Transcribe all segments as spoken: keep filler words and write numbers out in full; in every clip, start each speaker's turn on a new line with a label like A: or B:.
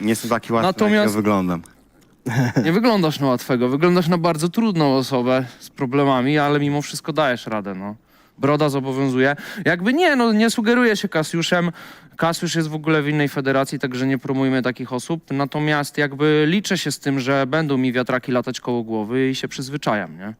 A: Nie jestem taki łatwy,
B: Natomiast-
A: jak ja wyglądam.
B: Nie wyglądasz na łatwego, wyglądasz na bardzo trudną osobę z problemami, ale mimo wszystko dajesz radę, no. Broda zobowiązuje. Jakby nie, no nie sugeruję się Kasiuszem. Kasiusz jest w ogóle w innej federacji, także nie promujmy takich osób. Natomiast jakby liczę się z tym, że będą mi wiatraki latać koło głowy i się przyzwyczajam, nie?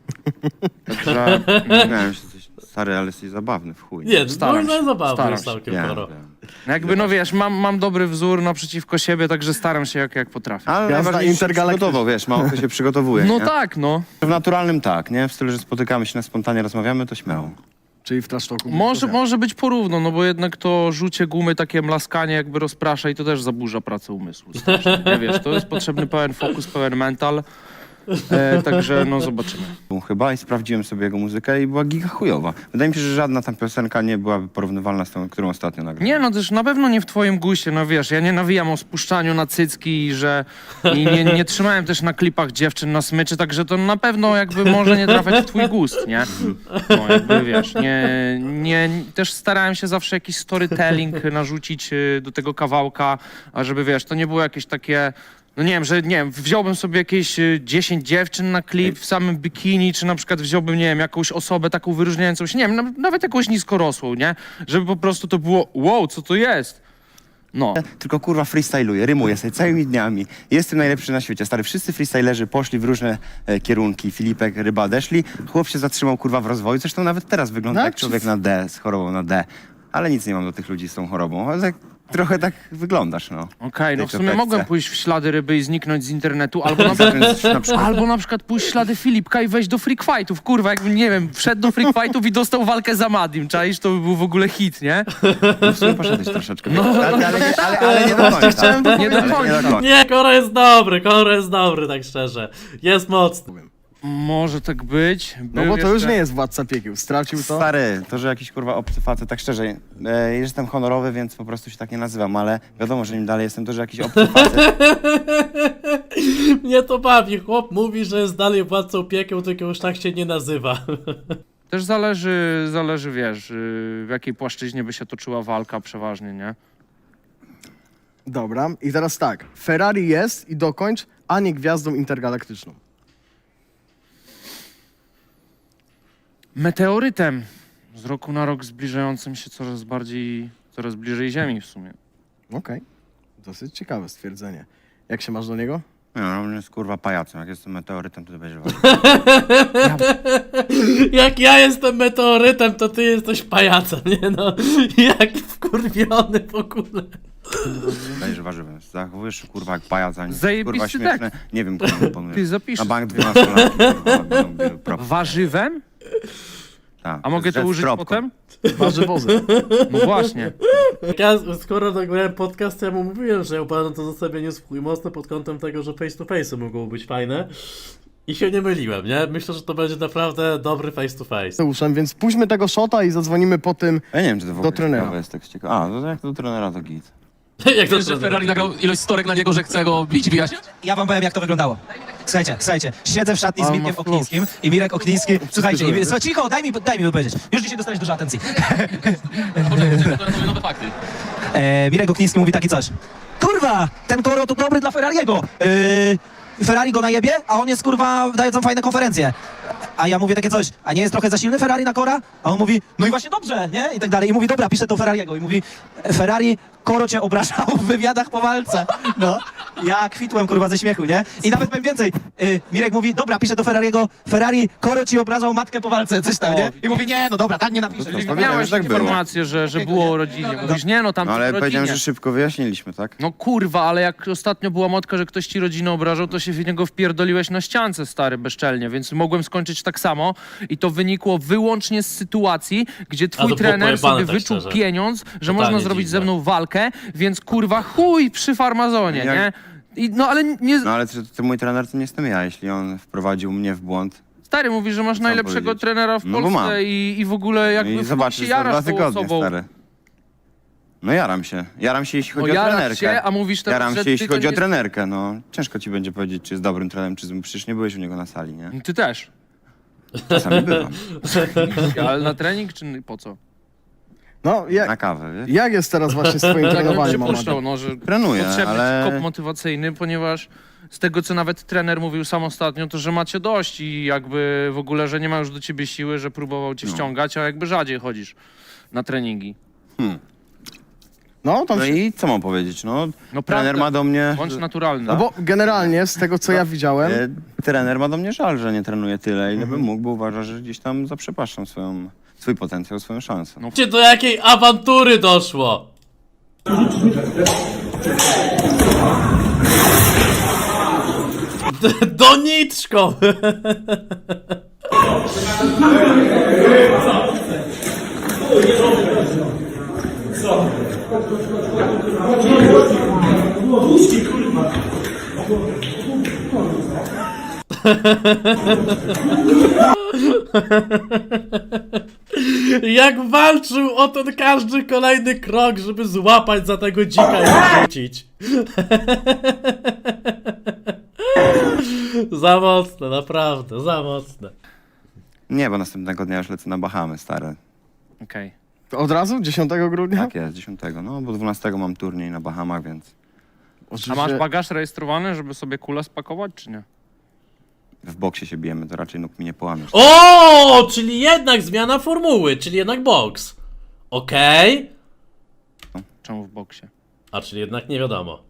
B: Także
A: Miałem się coś, stary, ale jesteś zabawny w chuj.
C: Nie,
B: Staram
C: można
B: się,
C: zabawne
B: staram
C: jest
B: się.
C: całkiem
A: Wiem,
C: sporo.
A: wiem.
B: jakby, no wiesz, mam, mam dobry wzór naprzeciwko siebie, także staram się jak, jak potrafię.
A: Ale
D: Jazda
A: najważniejsze się
D: intergalaktyczna.
A: przygotował, wiesz, mało kto się przygotowuje,
B: No
A: nie?
B: tak, no.
A: W naturalnym tak, nie? W stylu, że spotykamy się na spontanie, rozmawiamy, to śmiało.
D: Czyli w trasztoku.
B: Może, może być porówno, no bo jednak to rzucie gumy, takie mlaskanie jakby rozprasza i to też zaburza pracę umysłu. strasznie, Nie wiesz, to jest potrzebny pełen fokus, pełen mental. E, także no zobaczymy.
A: Chyba i sprawdziłem sobie jego muzykę i była giga chujowa. Wydaje mi się, że żadna tam piosenka nie byłaby porównywalna z tą, którą ostatnio nagrałem.
B: Nie no, też na pewno nie w twoim guście, no wiesz, ja nie nawijam o spuszczaniu na cycki i że i nie, nie trzymałem też na klipach dziewczyn na smyczy, także to na pewno jakby może nie trafiać w twój gust, nie? No jakby wiesz, nie, nie, też starałem się zawsze jakiś storytelling narzucić y, do tego kawałka, a żeby wiesz, to nie było jakieś takie... No nie wiem, że nie wiem, wziąłbym sobie jakieś y, dziesięć dziewczyn na klip w samym bikini, czy na przykład wziąłbym, nie wiem, jakąś osobę taką wyróżniającą się, nie wiem, na- nawet jakąś niskorosłą, nie? Żeby po prostu to było, wow, co to jest? No.
A: Tylko kurwa freestyluję, rymuję sobie całymi dniami. Jestem najlepszy na świecie. Stary, wszyscy freestylerzy poszli w różne e, kierunki. Filipek, Ryba odeszli. Chłop się zatrzymał kurwa w rozwoju. Zresztą nawet teraz wygląda
D: Tak,
A: jak
D: czy-
A: człowiek na D, z chorobą na D. Ale nic nie mam do tych ludzi z tą chorobą. Ale tak, trochę tak wyglądasz, no.
B: Okej, no
A: tej
B: w sumie
A: czapeczce.
B: mogłem pójść w ślady ryby i zniknąć z internetu, albo na, przykład,
A: Więc na przykład
B: albo na przykład pójść w ślady Filipka i wejść do freak fightów. Kurwa, jakbym, nie wiem, wszedł do freak fightów i dostał walkę z Amadim, czaisz? To by był w ogóle hit, nie?
A: w sumie poszedłeś troszeczkę. No, ale, ale, nie- ale, ale nie do końca.
D: chciałem to
B: Nie do
A: Ale
B: końca.
A: końca.
C: Nie, Koro jest dobry, Koro jest dobry, tak szczerze. Jest mocny.
B: Może tak być.
D: No
B: Był
D: bo to już
B: jeszcze-
D: nie jest władca piekieł. Stracił to.
A: Stary, to, że jakiś kurwa obcy facet, tak szczerze, e, jestem honorowy, więc po prostu się tak nie nazywam, ale wiadomo, że nim dalej jestem, to, że jakiś obcy facet.
C: Mnie to bawi. Chłop mówi, że jest dalej władcą piekieł, tylko już tak się nie nazywa.
B: Też zależy, zależy, wiesz, y, w jakiej płaszczyźnie by się toczyła walka przeważnie, nie?
D: Dobra. I teraz tak. Ferrari jest i dokończ, a nie gwiazdą intergalaktyczną.
B: Meteorytem. Z roku na rok zbliżającym się coraz bardziej, coraz bliżej Ziemi w sumie.
D: Okej. Dosyć ciekawe stwierdzenie. Jak się masz do niego?
A: Nie, no, on jest kurwa pajacem. Jak jestem meteorytem, to ty będziesz walczył.
C: Jak ja jestem meteorytem, to ty jesteś pajacem, nie no. Jak wkurwiony w ogóle.
A: Będziesz warzywem. Zachowujesz się kurwa jak pajac, a nie
B: Zajebisty
A: kurwa śmieszne. Nie wiem, komu
B: Ty
A: imponuje.
B: zapisz.
A: Na bank dwunastolatki, kurwa, będą biły prop.
B: Warzywem?
A: Tak,
B: A mogę
A: z-
B: to
A: z
B: użyć
A: propką.
B: potem?
D: Warzywozy.
B: No właśnie.
C: Jak ja, skoro nagrałem podcast, to ja mu mówiłem, że ja uważam to zestawienie swój mocno pod kątem tego, że face to face mogło być fajne. I się nie myliłem, nie? Myślę, że to będzie naprawdę dobry face to face.
D: Uszem, więc puśćmy tego shota i zadzwonimy po tym.
A: Ja nie wiem, czy to w ogóle
D: Do trenera.
A: ciekawe jest tak ciekawe. A, no to jak do trenera to git.
C: Jak to
E: Wiesz, że Ferrari nagrał ilość storek na niego, że chce go bić, wyjaśniać?
F: Ja wam powiem, jak to wyglądało. Słuchajcie, słuchajcie, siedzę w szatni z
B: Ale
F: Mirkiem
B: ma
F: Oknińskim i Mirek Okniński, słuchajcie, i, słuchaj, cicho, daj mi, daj mi wypowiedzieć. Już dzisiaj dostałeś dużo atencji.
E: Poczekaj, to są nowe fakty.
F: E, Mirek Okniński mówi takie coś. Kurwa, ten Koro to dobry dla Ferrariego. Yy, Ferrari go najebie, a on jest, kurwa, daje tam fajne konferencje. A ja mówię takie coś, a nie jest trochę za silny Ferrari na Kora? A on mówi, no i właśnie dobrze, nie? I tak dalej. I mówi, dobra, piszę do Ferrariego. I mówi, Ferrari, Koro cię obrażał w wywiadach po walce. No, ja kwitłem, kurwa, ze śmiechu, nie? I nawet powiem więcej. Yy, Mirek mówi, dobra, piszę do Ferrariego, Ferrari, Koro ci obrażał matkę po walce, coś tam, nie? I mówi, nie, no dobra, tak nie napiszę.
A: To pamiętam,
B: Miałeś
A: że tak było.
B: informację, że, że było o rodzinie. Mówisz, nie no, tam
A: No, ale
B: o rodzinie.
A: powiedziałem, że szybko wyjaśniliśmy, tak?
B: No kurwa, ale jak ostatnio była motka, że ktoś ci rodzinę obrażał, to się w niego wpierdoliłeś na ściance, stary, bezczelnie, więc mogłem skończyć tak samo i to wynikło wyłącznie z sytuacji, gdzie
C: A to
B: twój
C: było
B: trener
C: pojebane,
B: sobie
C: tak
B: wyczuł
C: szczerze.
B: pieniądz, że
C: Totalnie
B: można zrobić
C: dziwne.
B: ze mną walkę, więc kurwa chuj przy farmazonie,
A: Jak-
B: nie? I, no ale nie...
A: No ale ty, ty mój trener to nie jestem ja, jeśli on wprowadził mnie w błąd.
B: Stary, mówisz, że masz
A: Co
B: najlepszego
A: powiedzieć?
B: trenera w
A: No bo mam.
B: Polsce i, i w ogóle jakby
A: I
B: w chuj
A: zobaczysz
B: się
A: za dwa
B: jarasz tą
A: tygodnie,
B: osobą.
A: stary. No jaram się. Jaram się, jeśli
B: No
A: chodzi o
B: jarasz
A: trenerkę.
B: się, a mówisz teraz,
A: Jaram
B: że
A: się, jeśli
B: ty to
A: chodzi o
B: nie-
A: trenerkę, no. Ciężko ci będzie powiedzieć, czy jest dobrym trenerem, czy złym. Przecież nie byłeś u niego na sali, nie?
B: Ty też.
A: Czasami bywam.
B: Ale na trening czy po co?
D: No,
A: na
D: jak,
A: kawę, wiesz?
D: jak jest teraz właśnie z twoim
B: Tak bym
D: trenowaniem,
B: się
D: Amado?
B: puszczał, no, że
A: Trenuję,
B: potrzebny
A: ale...
B: ci kop motywacyjny, ponieważ z tego, co nawet trener mówił sam ostatnio, to że macie dość i jakby w ogóle, że nie ma już do ciebie siły, że próbował cię ściągać, a jakby rzadziej chodzisz na treningi.
D: No, tam
A: No
D: się...
A: i co mam powiedzieć, no,
B: No
A: trener
B: prawda.
A: ma do mnie...
B: Bądź naturalny.
D: No bo generalnie z tego, co ja widziałem,
A: E, trener ma do mnie żal, że nie trenuje tyle, ile bym mógł, bo uważa, że gdzieś tam zaprzepaszczam swoją, swój potencjał, swoją szansę.
B: No.
C: Gdzie do jakiej awantury doszło? D- Doniczką! Jak walczył o ten każdy kolejny krok, żeby złapać za tego dzika i wrzucić. Za mocne, naprawdę, za mocne.
A: Nie, bo następnego dnia już lecę na Bahamy, stare.
B: Okej.
D: od razu, dziesiątego grudnia?
A: Tak jest, dziesiątego, no bo dwunastego mam turniej na Bahamach, więc
B: A
D: Oczywiście-
B: masz bagaż rejestrowany, żeby sobie kulę spakować, czy nie?
A: w boksie się bijemy, to raczej nóg mi nie połamiesz.
C: O, czyli jednak zmiana formuły, czyli jednak boks. Okej.
B: Czemu w boksie?
C: A czyli jednak nie wiadomo.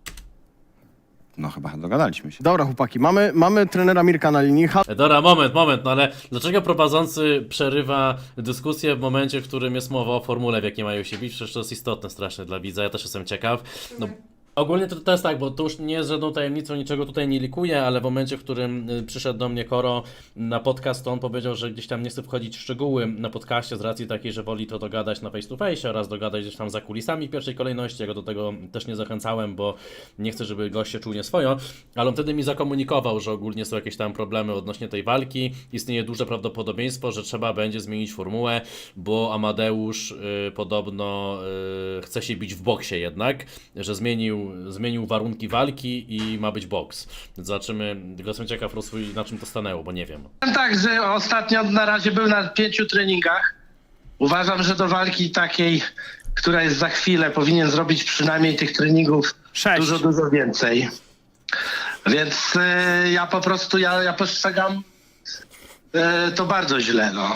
A: No chyba dogadaliśmy się.
D: Dobra, chłopaki, mamy, mamy trenera Mirka na linii. Halo,
C: E, Dobra, moment, moment, no ale dlaczego prowadzący przerywa dyskusję w momencie, w którym jest mowa o formule, w jakiej mają się bić? Przecież to jest istotne strasznie dla widza, ja też jestem ciekaw. No, ogólnie to, to jest tak, bo to już nie jest żadną tajemnicą, niczego tutaj nie likuję, ale w momencie, w którym y, przyszedł do mnie Koro na podcast, to on powiedział, że gdzieś tam nie chce wchodzić w szczegóły na podcaście z racji takiej, że woli to dogadać na face to face oraz dogadać gdzieś tam za kulisami w pierwszej kolejności. Ja go do tego też nie zachęcałem, bo nie chcę, żeby gość się czuł nieswojo, ale on wtedy mi zakomunikował, że ogólnie są jakieś tam problemy odnośnie tej walki. Istnieje duże prawdopodobieństwo, że trzeba będzie zmienić formułę, bo Amadeusz y, podobno y, chce się bić w boksie jednak, że zmienił zmienił warunki walki i ma być boks. Więc zobaczymy, tylko jestem ciekaw, Rosły, na czym to stanęło, bo nie wiem.
G: Powiem tak, że ostatnio na razie był na pięciu treningach. Uważam, że do walki takiej, która jest za chwilę, powinien zrobić przynajmniej tych treningów
B: Sześć.
G: dużo, dużo więcej. Więc y, ja po prostu, ja, ja postrzegam y, to bardzo źle, no.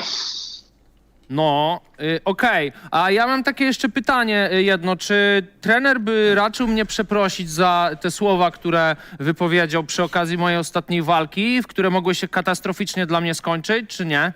B: No, y, okej. A ja mam takie jeszcze pytanie y, jedno. Czy trener by raczył mnie przeprosić za te słowa, które wypowiedział przy okazji mojej ostatniej walki, w które mogły się katastroficznie dla mnie skończyć, czy nie?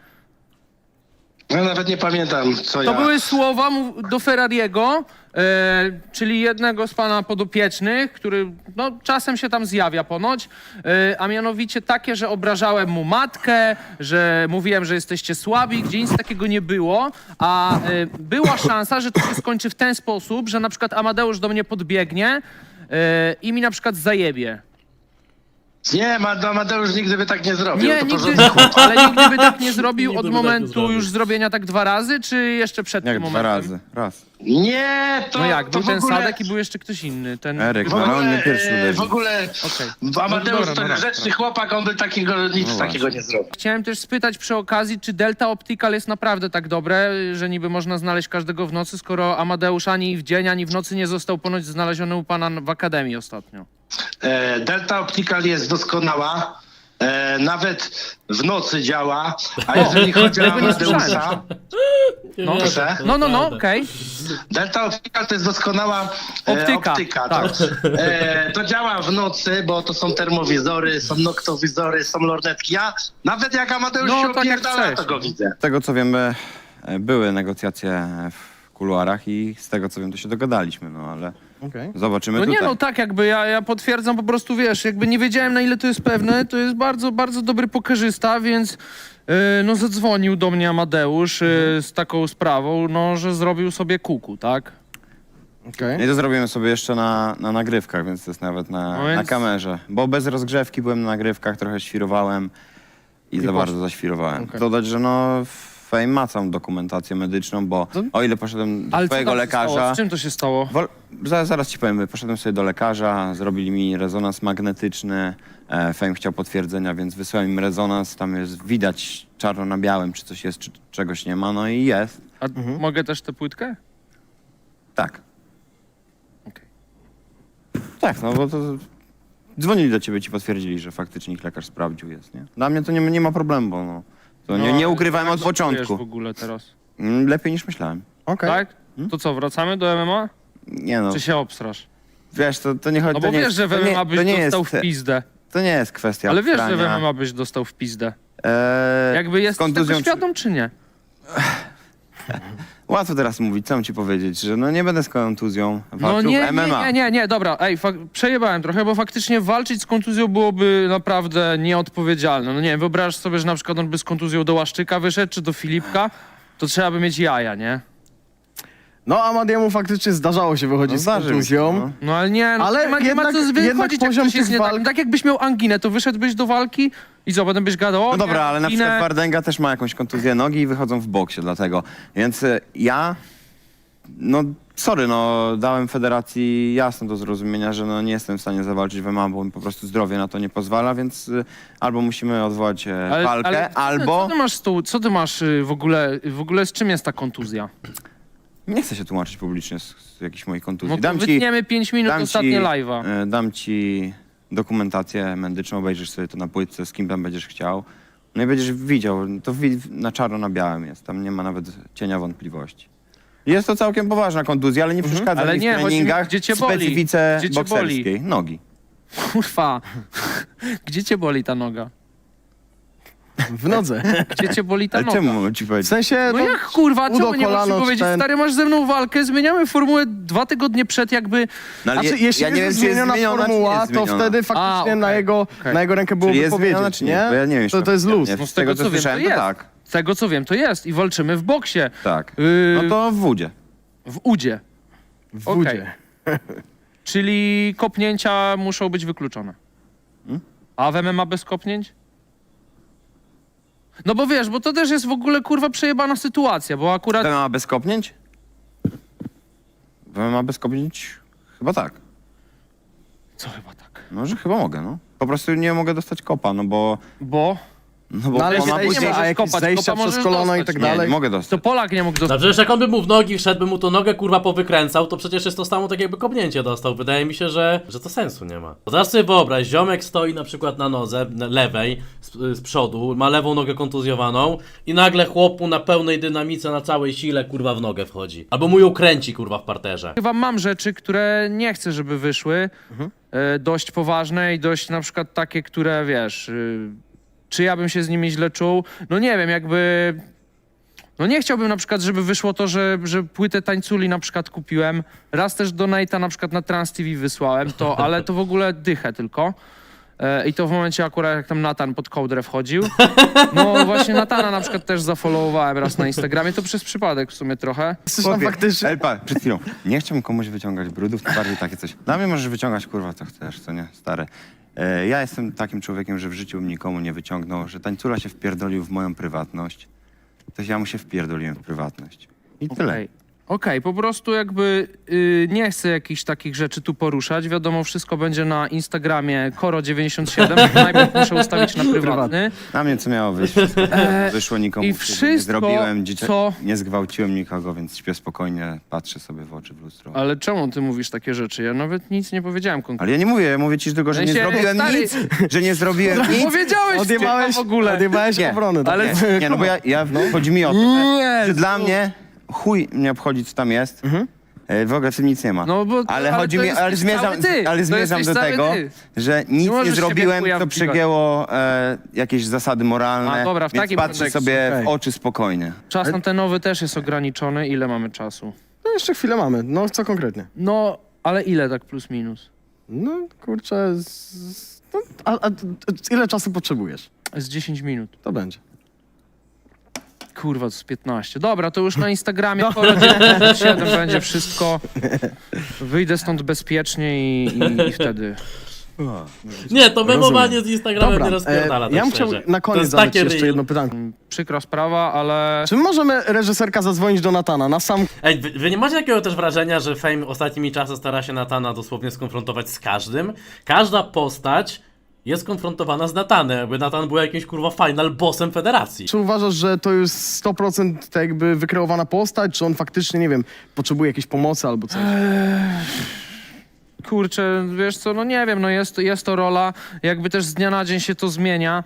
G: Ja nawet nie pamiętam, co
B: To
G: ja...
B: były słowa mów- do Ferrariego, e, czyli jednego z pana podopiecznych, który no, czasem się tam zjawia ponoć, e, a mianowicie takie, że obrażałem mu matkę, że mówiłem, że jesteście słabi, gdzie nic takiego nie było, a e, była szansa, że to się skończy w ten sposób, że na przykład Amadeusz do mnie podbiegnie e, i mi na przykład zajebie.
G: Nie, Amadeusz nigdy by tak nie zrobił.
B: Nie,
G: to
B: nigdy,
G: porządny chłop.
B: ale nigdy by tak nie zrobił
C: Nigdy
B: od
C: by tak nie
B: momentu
C: zrobił.
B: już zrobienia tak dwa razy, czy jeszcze przed
A: Jak
B: tym
A: dwa
B: momentem?
A: razy, raz.
G: Nie, to
B: No jak,
G: to
B: był
G: w
B: ten
G: ogóle...
B: Sadek i był jeszcze ktoś inny. Ten...
A: Eryk,
G: W
A: no ale on
G: ogóle,
A: mnie pierwszy
G: e, w
A: uderzył.
G: ogóle
B: Okej.
G: Amadeusz
B: No
G: to
B: dobra, no
G: grzeczny
B: raz,
G: chłopak, on by takiego nic
A: No
G: takiego nie zrobił.
B: Chciałem też spytać przy okazji, czy Delta Optical jest naprawdę tak dobre, że niby można znaleźć każdego w nocy, skoro Amadeusz ani w dzień, ani w nocy nie został ponoć znaleziony u pana w Akademii ostatnio.
G: E, Delta Optical jest doskonała. E, nawet w nocy działa, a jeżeli chodzi o
B: tego nie słyszałem
G: Amadeusza,
B: No.
G: Proszę?
B: No, no, no, okej.
G: Delta Optical to jest doskonała e,
B: Optyka,
G: optyka.
B: tak.
G: To, e, to działa w nocy, bo to są termowizory, są noktowizory, są lornetki. Ja nawet jak Amadeusz
B: No,
G: się
B: tak jak
G: opierdala,
B: chcesz.
G: to go widzę.
A: Z tego co wiemy, e, były negocjacje w kuluarach i z tego co wiem, to się dogadaliśmy, no ale
D: Okej.
A: zobaczymy
B: No nie,
A: tutaj.
B: no tak jakby, ja, ja potwierdzam po prostu, wiesz, jakby nie wiedziałem na ile to jest pewne, to jest bardzo, bardzo dobry pokerzysta, więc yy, no zadzwonił do mnie Amadeusz yy, z taką sprawą, no, że zrobił sobie kuku, tak?
D: Okej.
A: No i to zrobimy sobie jeszcze na, na nagrywkach, więc to jest nawet na,
B: No więc-
A: na kamerze. Bo bez rozgrzewki byłem na nagrywkach, trochę świrowałem i, za
D: poszło.
A: bardzo zaświrowałem.
D: Okej.
A: Dodać, że no Fame ma całą dokumentację medyczną, bo
D: To-
A: o ile poszedłem do
B: Ale co
A: twojego
B: tam się stało?
A: lekarza...
B: Z czym to się stało?
A: Wol, zaraz, zaraz ci powiem, poszedłem sobie do lekarza, zrobili mi rezonans magnetyczny, e, Fame chciał potwierdzenia, więc wysłałem im rezonans, tam jest widać czarno na białym, czy coś jest, czy czegoś nie ma, no i jest.
B: A mogę też tę płytkę?
A: Tak.
B: Okej.
A: Tak, no bo to... Dzwonili do ciebie, ci potwierdzili, że faktycznie ich lekarz sprawdził jest, nie? Dla mnie to nie, nie ma problemu, bo no... To nie,
B: No,
A: nie ukrywałem
B: jak
A: od
B: się czujesz
A: początku.
B: w ogóle teraz?
A: Mm, Lepiej niż myślałem.
D: Okej.
B: Tak? To co, wracamy do M M A?
A: Nie no,
B: Czy się obstrasz?
A: wiesz, to, to nie chodzi...
B: No
A: to
B: bo
A: nie
B: wiesz,
A: jest,
B: że w
A: to nie-
B: M M A byś
A: to nie
B: dostał
A: jest,
B: w pizdę.
A: To nie jest kwestia
B: Ale wiesz, że w
A: obstrania.
B: M M A byś dostał w pizdę.
A: Eee,
B: Jakby
A: z
B: jest tego
A: kontuzją czy-
B: świadom, czy nie?
A: Łatwo teraz mówić, co mam ci powiedzieć, że no nie będę z kontuzją
B: No
A: walczył
B: nie,
A: w M M A.
B: nie, nie, nie, nie, dobra, ej, fak- przejebałem trochę, bo faktycznie walczyć z kontuzją byłoby naprawdę nieodpowiedzialne. No nie wiem, wyobraź sobie, że na przykład on by z kontuzją do Łaszczyka wyszedł, czy do Filipka, to trzeba by mieć jaja, nie?
D: No Amadiemu faktycznie zdarzało się wychodzić
A: No
D: z
A: zdarzy mi się,
D: kontuzją.
A: no.
B: No ale nie, no,
D: Ale
B: nie, ma, nie ma
D: jednak-
B: co
D: jednak
B: wychodzić, jak
D: poziom
B: coś jest
D: tych
B: nie tak.
D: walk-
B: Tak jakbyś miał anginę, to wyszedłbyś do walki i co, potem byś gadał, o,
A: No dobra,
B: miałem
A: ale na
B: anginę.
A: przykład Wardęga też ma jakąś kontuzję nogi i wychodzą w boksie dlatego. Więc e, ja, no sorry, no dałem federacji jasno do zrozumienia, że no nie jestem w stanie zawalczyć w M M A, bo mi po prostu zdrowie na to nie pozwala, więc e, albo musimy odwołać e,
B: Ale-
A: walkę,
B: ale co-
A: albo...
B: Co ty masz z tą, co ty masz y, w ogóle, w ogóle z czym jest ta kontuzja?
A: Nie chcę się tłumaczyć publicznie z, z jakiejś mojej kontuzji.
B: No to
A: dam ci,
B: wytniemy pięć minut
A: dam
B: ostatnie
A: ci,
B: live'a.
A: e, dam ci dokumentację medyczną, obejrzysz sobie to na płytce, z kim tam będziesz chciał. No i będziesz widział, to wi- na czarno na białym jest, tam nie ma nawet cienia wątpliwości. Jest to całkiem poważna kontuzja, ale nie przeszkadza
B: Mhm. Ale
A: mi w
B: nie, chodzi mi,
A: treningach
B: gdzie cię
A: w
B: boli?
A: specyfice
B: Gdzie cię
A: bokserskiej. Nogi.
B: Kurwa, gdzie cię boli ta noga?
D: W nodze.
B: Gdzie cię boli ta
A: Ale
B: noga?
A: czemu mam ci
D: W
A: powiedzieć?
D: sensie,
B: No
D: no,
B: jak kurwa,
D: udo,
B: czemu nie możesz mi
D: kolano,
B: powiedzieć?
D: ten-
B: Stary, masz ze mną walkę, zmieniamy formułę dwa tygodnie przed jakby...
A: No, ale
D: Znaczy,
A: je-
D: jeśli
A: ja nie wiem,
D: jest
A: czy jest
D: zmieniona
A: zmieniona, czy nie
D: formuła,
A: jest
D: to
A: zmieniona.
D: wtedy faktycznie
B: A, okej,
D: na, jego,
B: okej.
D: na jego rękę byłoby
A: Czyli jest zmieniona,
D: powiedzieć,
A: czy nie? Bo ja nie wiem,
D: To,
A: czy
D: to jest luz.
A: Nie,
B: No
A: z tego, co
B: wiem,
A: słyszałem,
B: to
A: to
B: jest.
A: tak.
B: Z tego co wiem, to jest i walczymy w boksie.
A: Tak.
B: Yy,
A: No to w wódzie.
B: W udzie.
D: W
B: Okej.
D: wódzie.
B: Czyli kopnięcia muszą być wykluczone. A w M M A bez kopnięć? No bo wiesz, bo to też jest w ogóle kurwa przejebana sytuacja, bo akurat...
A: W M M A bez kopnięć? W M M A bez kopnięć? Chyba tak.
B: Co chyba tak?
A: No, że chyba mogę, no. Po prostu nie mogę dostać kopa, no bo...
B: Bo...
A: No bo
D: No ale
A: ona
B: zejście-
A: później...
B: możesz
D: a jakieś
B: kopać,
D: zejścia
B: kopa
D: przez
B: możesz
D: kolano i
B: dostać.
D: tak
A: Nie,
D: dalej.
A: nie mogę
B: To
A: dostać.
B: Polak nie mógł
C: No
B: dostać.
C: przecież jak on by mu w nogi wszedł, by mu to nogę kurwa powykręcał, to przecież jest to samo tak jakby kopnięcie dostał. Wydaje mi się, że, że to sensu nie ma. Bo teraz sobie wyobraź, ziomek stoi na przykład na nodze na lewej, z, z przodu, ma lewą nogę kontuzjowaną i nagle chłopu na pełnej dynamice, na całej sile kurwa w nogę wchodzi. Albo mu ją kręci kurwa w parterze.
B: Chyba mam rzeczy, które nie chcę, żeby wyszły. E, dość poważne i dość na przykład takie, które wiesz... Y, czy ja bym się z nimi źle czuł? No nie wiem, jakby... No nie chciałbym na przykład, żeby wyszło to, że, że płytę tańculi na przykład kupiłem. Raz też do Nate'a na przykład na Trans T V wysłałem to, ale to w ogóle dychę tylko. E, I to w momencie akurat jak tam Natan pod kołdrę wchodził. No właśnie Natana na przykład też zafollowowałem raz na Instagramie, to przez przypadek w sumie trochę.
D: Jesteś tam
A: Chłopie,
D: faktycznie...
A: Elpa, przed chwilą. Nie chciałbym komuś wyciągać brudów, to bardziej takie coś. Dla mnie możesz wyciągać, kurwa, co chcesz, co nie, stare. E, ja jestem takim człowiekiem, że w życiu bym nikomu nie wyciągnął, że tańcula się wpierdolił w moją prywatność. To ja mu się wpierdoliłem w prywatność. I tyle.
B: Okej, Okej, po prostu jakby y, nie chcę jakichś takich rzeczy tu poruszać. Wiadomo, wszystko będzie na Instagramie Koro dziewięćdziesiąt siedem. Najpierw muszę ustawić na prywatny.
A: Na mnie co miało wyjść? Wyszło nikomu.
B: i
A: krzywdy nie
B: wszystko,
A: zrobiłem, dziecię...
B: co-
A: nie zgwałciłem nikogo, więc śpię spokojnie, patrzę sobie w oczy w lustro.
B: Ale czemu ty mówisz takie rzeczy? Ja nawet nic nie powiedziałem konkretnie.
A: Ale ja nie mówię, ja mówię ci tylko, że nie
B: W sensie,
A: zrobiłem
B: stary-
A: nic, że nie zrobiłem nic.
B: Powiedziałeś
D: Odjebałeś,
B: w ogóle.
D: odjebałeś
A: Nie,
D: obronę. tak?
B: ale-
A: Nie, nie, no bo ja, ja chodzi mi o to,
B: Nie,
A: że dla mnie chuj mnie obchodzi, co tam jest. E, W ogóle w tym nic nie ma.
B: No bo-
A: ale
B: ale
A: chodzi
B: to
A: mi,
B: jesteś
A: ale zmierzam,
B: cały ty.
A: ale
B: To
A: zmierzam
B: jesteś
A: do
B: cały
A: tego,
B: ty.
A: że nic nie,
B: możesz siebie
A: zrobiłem,
B: chuja
A: co
B: wpikać.
A: przegięło e, jakieś zasady moralne,
B: A, dobra, w
A: więc
B: takim
A: patrzę
B: kontekście,
A: sobie
D: okej.
A: w oczy spokojnie.
B: Czas antenowy też jest ograniczony. Ile mamy czasu?
D: No jeszcze chwilę mamy. No co konkretnie?
B: No, ale ile tak plus minus?
D: No kurczę, z, z, no, a, a, a ile czasu potrzebujesz?
B: Z dziesięć minut.
D: To będzie.
B: Kurwa, to z piętnaście. Dobra, to już na Instagramie Koro dziewięćdziesiąt siedem będzie wszystko. Wyjdę stąd bezpiecznie i, i, i wtedy.
C: Nie, to memowanie
D: Rozumiem.
C: z Instagramem
D: Dobra,
C: nie rozpierdala,
D: e,
C: tak
D: ja bym chciał
C: szczerze.
D: na
C: To
D: koniec
C: jest
D: zadać
C: takie
D: jeszcze
C: real.
D: jedno pytanie.
B: Przykra sprawa, ale...
D: Czy możemy reżyserka zadzwonić do Natana na sam
C: Ej, wy, wy nie macie takiego też wrażenia, że Fame ostatnimi czasy stara się Natana dosłownie skonfrontować z każdym? Każda postać jest konfrontowana z Natanem, jakby Natan był jakimś kurwa final bossem federacji.
D: Czy uważasz, że to jest sto procent tak jakby wykreowana postać, czy on faktycznie, nie wiem, potrzebuje jakiejś pomocy albo coś?
B: Kurczę, wiesz co, no nie wiem, no jest, jest to rola, jakby też z dnia na dzień się to zmienia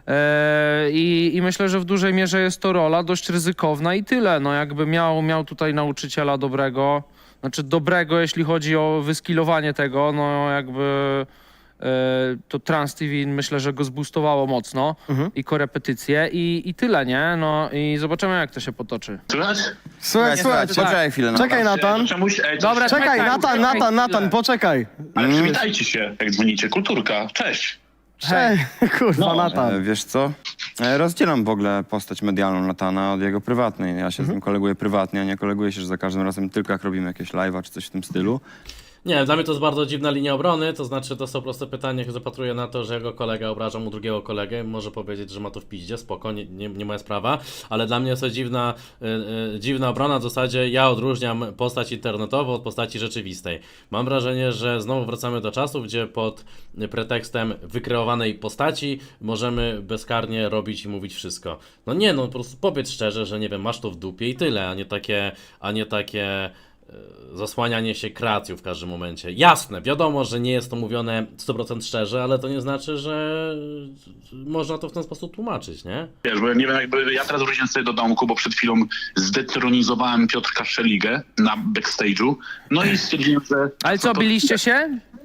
B: e, i, i myślę, że w dużej mierze jest to rola dość ryzykowna i tyle, no jakby miał, miał tutaj nauczyciela dobrego, znaczy dobrego, jeśli chodzi o wyskilowanie tego, no jakby e, to Trans T V myślę, że go zboostowało mocno i korepetycje i, i tyle, nie? No i zobaczymy, jak to się potoczy.
H: Słychać?
D: Słuchaj, słuchaj,
A: Poczekaj chwilę. No.
D: czekaj Natan,
H: Czemuś, ej,
B: Dobra,
H: coś-
D: czekaj
B: Czekaj,
D: Natan,
B: czekaj,
D: Natan, Natan,
B: chwilę.
D: poczekaj.
H: Ale przywitajcie się, jak dzwonicie. Kulturka, cześć.
D: Hej, kurwa
H: No.
A: E,
D: Natan.
A: wiesz co? E, rozdzielam w ogóle postać medialną Natana od jego prywatnej. Ja się z nim koleguję prywatnie, a nie koleguję się, że za każdym razem tylko jak robimy jakieś live'a czy coś w tym stylu.
C: Nie, dla mnie to jest bardzo dziwna linia obrony, to znaczy to są proste pytania, jak zapatruję na to, że jego kolega obraża mu drugiego kolegę, może powiedzieć, że ma to w piździe, spoko, nie, nie, nie moja sprawa, ale dla mnie jest to dziwna, y, y, dziwna obrona, w zasadzie ja odróżniam postać internetową od postaci rzeczywistej. Mam wrażenie, że znowu wracamy do czasów, gdzie pod pretekstem wykreowanej postaci możemy bezkarnie robić i mówić wszystko. No nie, no po prostu powiedz szczerze, że nie wiem, masz to w dupie i tyle, a nie takie, a nie takie zasłanianie się kreacją w każdym momencie. Jasne, wiadomo, że nie jest to mówione sto procent szczerze, ale to nie znaczy, że można to w ten sposób tłumaczyć, nie?
H: Wiesz, bo ja nie wiem, jakby ja teraz wróciłem sobie do domku, bo przed chwilą zdetronizowałem Piotrka Szeligę na backstage'u. No i stwierdziłem, że...
B: Ale co,
H: to-
B: biliście się?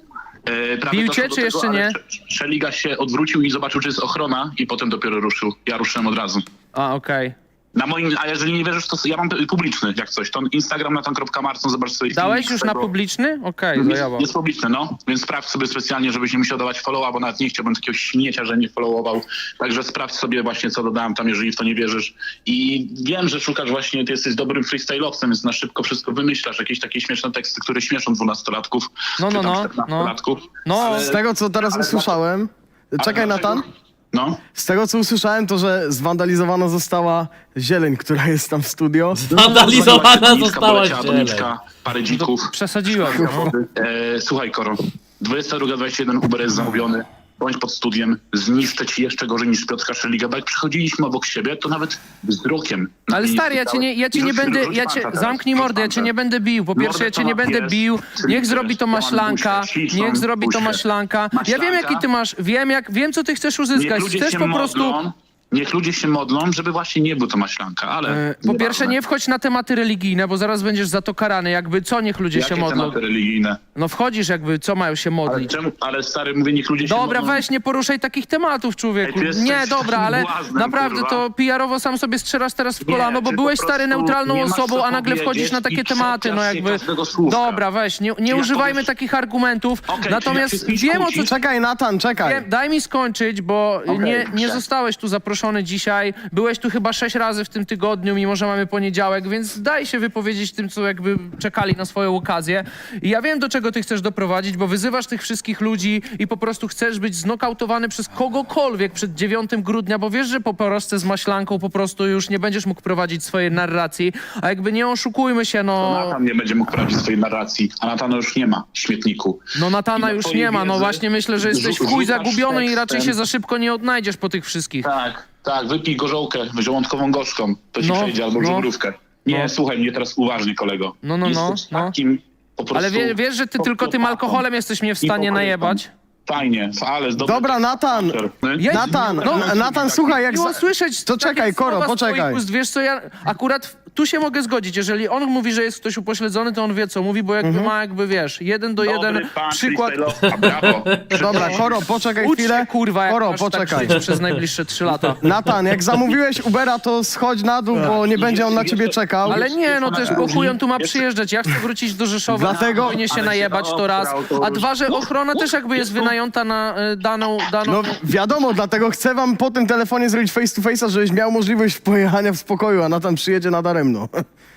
H: E, prawie
B: Bił cię,
H: doszło do
B: czy jeszcze
H: ale
B: nie?
H: Sze- Szeliga się odwrócił i zobaczył, czy jest ochrona i potem dopiero ruszył. Ja ruszyłem od razu.
B: A, okej.
H: Na moim, a jeżeli nie wierzysz, to ja mam publiczny, jak coś. To Instagram natan kropka marcon, zobacz sobie
B: Dałeś
H: filmik
B: już
H: z
B: na
H: tego.
B: publiczny? Okej,
H: Jest,
B: zajebał.
H: jest publiczny, no. Więc sprawdź sobie specjalnie, żebyś nie musiał dawać followa, bo nawet nie chciałbym takiego śmiecia, że nie followował. Także sprawdź sobie właśnie, co dodałem tam, jeżeli w to nie wierzysz. I wiem, że szukasz właśnie, ty jesteś dobrym freestyle'owcem, więc na szybko wszystko wymyślasz. Jakieś takie śmieszne teksty, które śmieszą dwunastolatków.
B: No,
H: czy
B: no,
H: tam
B: no,
H: czternastolatków.
B: No,
H: Ale-
D: Z tego, co teraz
H: ale-
D: usłyszałem... Czekaj
H: ale
D: Natan.
H: dlaczego- No.
D: Z tego, co usłyszałem, to, że zwandalizowana została zieleń, która jest tam w studio.
C: Vandalizowana
H: Nitka
C: została
H: poleciała,
C: zieleń.
H: doniczka, parę dzików.
B: przesadziłem. No.
H: E, słuchaj, Koro, dwudziesta druga dwadzieścia jeden Uber jest zamówiony. Bądź pod studiem, zniszczę ci jeszcze gorzej niż Piotrka Szeliga, bo jak przychodziliśmy obok siebie, to nawet wzrokiem.
B: Ale
H: mnie
B: stary, ja cię nie, ja cię nie
H: Rzuć-
B: będę,
H: rzuć
B: ja
H: panta
B: cię,
H: teraz,
B: zamknij
H: rzuć
B: mordę, ja cię
H: panta.
B: nie będę bił. Po pierwsze, ja cię nie
H: Mordę to
B: będę
H: ma
B: bił.
H: pies,
B: Niech
H: czyli
B: zrobi to
H: pies,
B: maślanka,
H: buźkę, ciszą,
B: niech zrobi to
H: buźkę.
B: maślanka. Ja wiem,
H: Maślanka.
B: jaki ty masz, wiem, jak, wiem, co ty chcesz
H: Niech
B: uzyskać.
H: ludzie
B: Chcesz
H: się
B: po prostu...
H: modlą, niech ludzie się modlą, żeby właśnie nie był to maślanka, ale...
B: E, Po pierwsze,
H: nieważne.
B: nie wchodź na tematy religijne, bo zaraz będziesz za to karany. Jakby co niech ludzie
H: Jakie
B: się modlą?
H: tematy religijne?
B: No wchodzisz jakby, co mają się
H: Ale,
B: modlić.
H: czemu, ale stary, mówię, niech ludzie się
B: Dobra,
H: modlą.
B: weź, nie poruszaj takich tematów, człowieku.
H: Ej, ty jesteś
B: Nie, dobra,
H: takim
B: ale
H: błaznem,
B: naprawdę
H: kurwa.
B: to P R-owo sam sobie strzelasz teraz w
H: Nie,
B: kolano, bo
H: ty
B: byłeś
H: po
B: stary
H: prostu
B: neutralną
H: nie masz
B: osobą,
H: co
B: a nagle wchodzisz
H: powiedzieć
B: na takie
H: i
B: tematy, no
H: czepiasz się
B: jakby...
H: każdego słówka.
B: Dobra, weź, nie, nie
H: Jak
B: używajmy
H: powiesz-
B: takich argumentów.
H: Okej, czyli
B: Natomiast
H: jak się z kimś
B: wiem o co...
H: kłócisz-
D: Czekaj Natan, czekaj.
B: Wiem, daj mi skończyć, bo
H: Okej,
B: nie, nie
H: dobrze.
B: zostałeś tu zaproszony dzisiaj. Byłeś tu chyba sześć razy w tym tygodniu, mimo że mamy poniedziałek, więc daj się wypowiedzieć tym, co jakby czekali na swoją okazję. I ja wiem, do czego ty chcesz doprowadzić, bo wyzywasz tych wszystkich ludzi i po prostu chcesz być znokautowany przez kogokolwiek przed dziewiątego grudnia, bo wiesz, że po porażce z maślanką po prostu już nie będziesz mógł prowadzić swojej narracji. A jakby nie oszukujmy się, no...
H: Natan nie będzie mógł prowadzić swojej narracji, a Natana już nie ma w śmietniku.
B: No Natana
H: I
B: już
H: twojej
B: nie ma, no
H: wiedzy
B: właśnie myślę, że jesteś w
H: rzu-
B: chuj
H: rzucasz
B: zagubiony i raczej
H: tekstem.
B: się za szybko nie odnajdziesz po tych wszystkich.
H: Tak, tak, wypij gorzołkę, żołądkową gorzką, to ci
B: No,
H: przejdzie, albo
B: no.
H: żubrówkę. Nie,
B: No.
H: słuchaj mnie teraz uważnie, kolego.
B: No, no, no,
H: Jesteś
B: no.
H: takim po prostu...
B: Ale wie, wiesz, że ty tylko tym
H: psychopatą.
B: alkoholem jesteś mnie w stanie
H: Hipokrytą.
B: najebać?
H: Fajnie, ale z dobrym
D: Dobra, Natan.
H: tekstem.
B: Ja-
D: Natan,
B: No,
D: N- Natan, słuchaj, jak...
B: Miło
D: Za...
B: słyszeć
D: To
B: takie
D: czekaj, Koro,
B: słowa z
D: poczekaj.
B: twoich ust. Wiesz co, ja akurat w- tu się mogę zgodzić. Jeżeli on mówi, że jest ktoś upośledzony, to on wie, co mówi, bo jakby
D: Mhm.
B: ma jakby, wiesz, jeden do jeden
H: Dobry pan
B: przykład...
H: freestyle'owca, brawo.
D: Dobra, Koro, poczekaj
B: Ucz
D: chwilę.
B: się, kurwa, jak
D: Koro,
B: masz
D: poczekaj.
B: tak żyć przez najbliższe trzy lata.
D: Natan, jak zamówiłeś Ubera, to schodź na dół, bo nie będzie on na ciebie czekał.
B: Ale nie, no też po chuj on tu ma przyjeżdżać. Ja chcę wrócić do Rzeszowa,
D: Dlatego-
B: powinien się
H: Ale się
B: najebać, to raz.
H: oprał, to
B: A
H: już-
B: dwa, że ochrona też jakby jest wynajęta na y, daną... daną...
D: No wiadomo, dlatego chcę wam po tym telefonie zrobić face to face'a, żebyś miał możliwość pojechania w spokoju, a Natan przyjedzie nadaremno.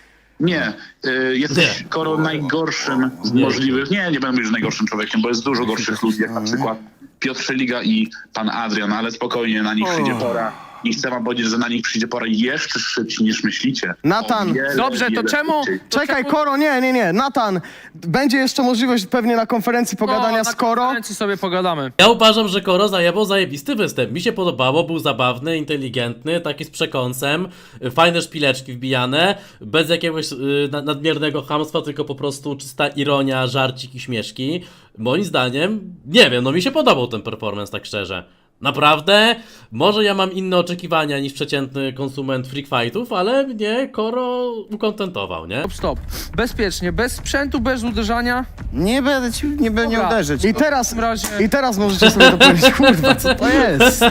H: Nie, y, jesteś Koro najgorszym z możliwych... Nie, nie będę mówić, że najgorszym człowiekiem, bo jest dużo gorszych ludzi, jak na przykład Piotr Szeliga i pan Adrian, ale spokojnie, na nich przyjdzie pora. I chcę wam powiedzieć, że na nich przyjdzie pora jeszcze szybciej niż myślicie.
D: Natan,
H: O wiele,
B: Dobrze, to
H: wiele
B: czemu?
H: szybciej.
B: To
D: Czekaj,
B: czemu-
D: Koro, nie, nie, nie. Natan, będzie jeszcze możliwość pewnie na konferencji pogadania
B: no,
D: z
B: na
D: Koro.
B: konferencji sobie pogadamy.
C: Ja uważam, że Koro zajebał zajebisty występ. Mi się podobało, był zabawny, inteligentny, taki z przekąsem, fajne szpileczki wbijane, bez jakiegoś y, na- nadmiernego chamstwa, tylko po prostu czysta ironia, żarcik i śmieszki. Moim zdaniem, nie wiem, no mi się podobał ten performance, tak szczerze. Naprawdę, może ja mam inne oczekiwania niż przeciętny konsument freak fightów, ale mnie Koro ukontentował, nie?
B: Stop, stop. Bezpiecznie, bez sprzętu, bez uderzania.
A: Nie będę ci, nie będę nie
B: Dobra.
A: uderzyć.
D: I teraz,
B: W takim razie-
D: i teraz możecie sobie to powiedzieć, kurwa, co to jest?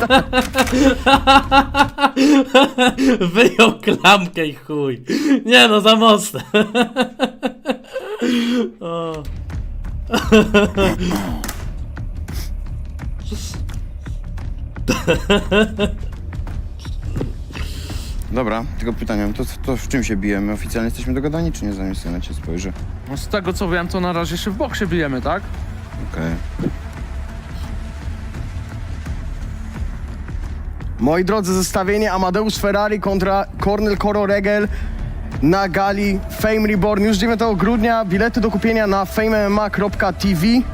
C: Wyjął klamkę i chuj. Nie no, za mocne. O.
A: Dobra, tylko pytanie, to, to w czym się bijemy? Oficjalnie jesteśmy dogadani, czy nie? Zanim sobie na cię spojrzę.
B: No z tego co wiem, to na razie się w boksie bijemy, tak?
A: Okej.
D: Moi drodzy, zestawienie Amadeusz Ferrari kontra Kornel Koro Regel na gali Fame Reborn już dziewiątego grudnia. Bilety do kupienia na fame m m a kropka t v.